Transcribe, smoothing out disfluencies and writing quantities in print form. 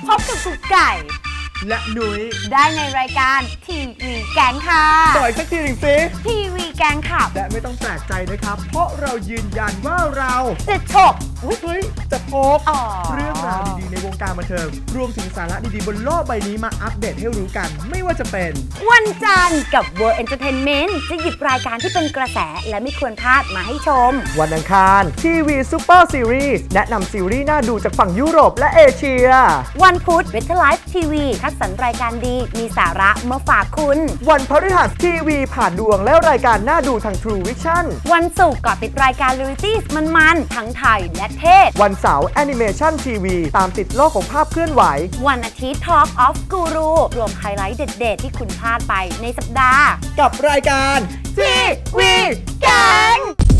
พบกับกุ๊กไก่และนุ้ยได้ในรายการทีวีแก๊งค่ะต่อยสักทีหนึ่งสิทีวีแก๊งค่ะและไม่ต้องแปลกใจนะครับเพราะเรายืนยันว่าเราจะฉกเฮ้ยจะพกเรื่องราวดีๆในวงการบันเทิงรวมถึงสาระดีๆบนโลกใบนี้มาอัปเดตให้รู้กันไม่ว่าจะเป็นวันจันทร์กับ World Entertainment จะหยิบรายการที่เป็นกระแสและไม่ควรพลาดมาให้ชมวันอังคารทีวีซูเปอร์ซีรีส์แนะนำซีรีส์น่าดูจากฝั่งยุโรปและเอเชียวันพุธ Better Life TV คัดสรรรายการดีมีสาระมาฝากคุณวันพฤหัสทีวีผ่านดวงและรายการน่าดูทาง True Vision วันศุกร์ก็ติดรายการ Reality มันๆทั้งไทยและเทศวันเสาร์แอนิเมชันทีวีตามติดโลกของภาพเคลื่อนไหววันอาทิตย์ Talk of Guru รวมไฮไลท์เด็ดๆที่คุณพลาดไปในสัปดาห์กับรายการทีวีแก๊ง